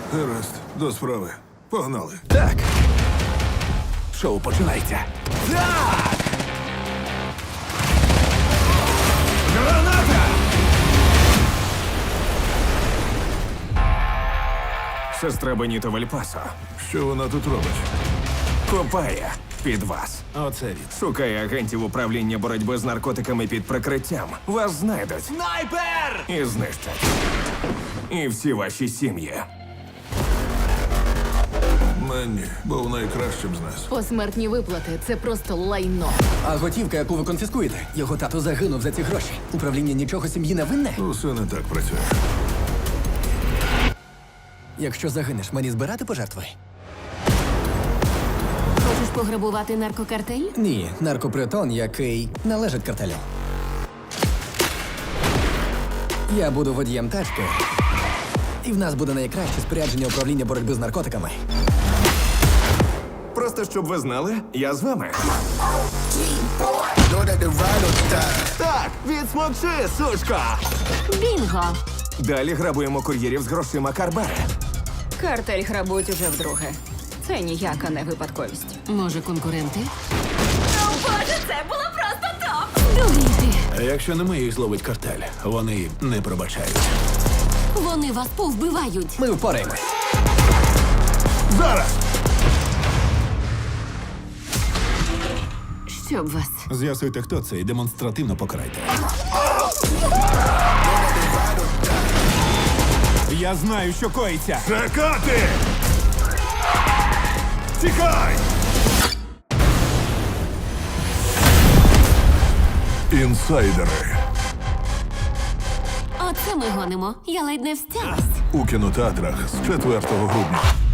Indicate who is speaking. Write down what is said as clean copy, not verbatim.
Speaker 1: Гаразд, до справи. Погнали.
Speaker 2: Так. Шоу починається. Так! Граната! Сестра Беніто Вальпасо
Speaker 1: Що вона тут робить?
Speaker 2: копає під вас.
Speaker 3: Оце він.
Speaker 2: Шукає агентів управління боротьби з наркотиками під прикриттям. Вас знайдуть
Speaker 3: Снайпер!
Speaker 2: і знищать. І всі ваші сім'ї.
Speaker 1: Менні був найкращим з нас.
Speaker 4: Посмертні виплати це просто лайно.
Speaker 5: А готівка, яку ви конфіскуєте, його тато загинув за ці гроші. Управління нічого сім'ї не винне?
Speaker 1: Усе не так працює.
Speaker 5: Якщо загинеш, мені збирати пожертви?
Speaker 4: Хочеш пограбувати наркокартель?
Speaker 5: Ні, наркопритон, який належить картелю. Я буду водієм тачки, і в нас буде найкраще спорядження управління боротьби з наркотиками.
Speaker 2: Просто щоб ви знали, я з вами. Так, відсмокши, сучка!
Speaker 4: Бінго!
Speaker 2: Далі грабуємо кур'єрів з грошима Карбери.
Speaker 6: Картель грабують уже вдруге. Це ніяка не випадковість.
Speaker 4: Може, конкуренти? О, Боже, це було просто топ! Дуріти!
Speaker 3: А якщо не ми їх зловить картель, вони не пробачають.
Speaker 4: Вони вас повбивають!
Speaker 5: Ми впораємось.
Speaker 1: Зараз!
Speaker 4: Щоб вас.
Speaker 3: З'ясуйте, хто це, і демонстративно покарайте. Я знаю, що коїться.
Speaker 1: Чекати! Тікай! Інсайдери
Speaker 4: Оце ми гонимо. Я ледь не встялась.
Speaker 1: у кінотеатрах з 4 грудня.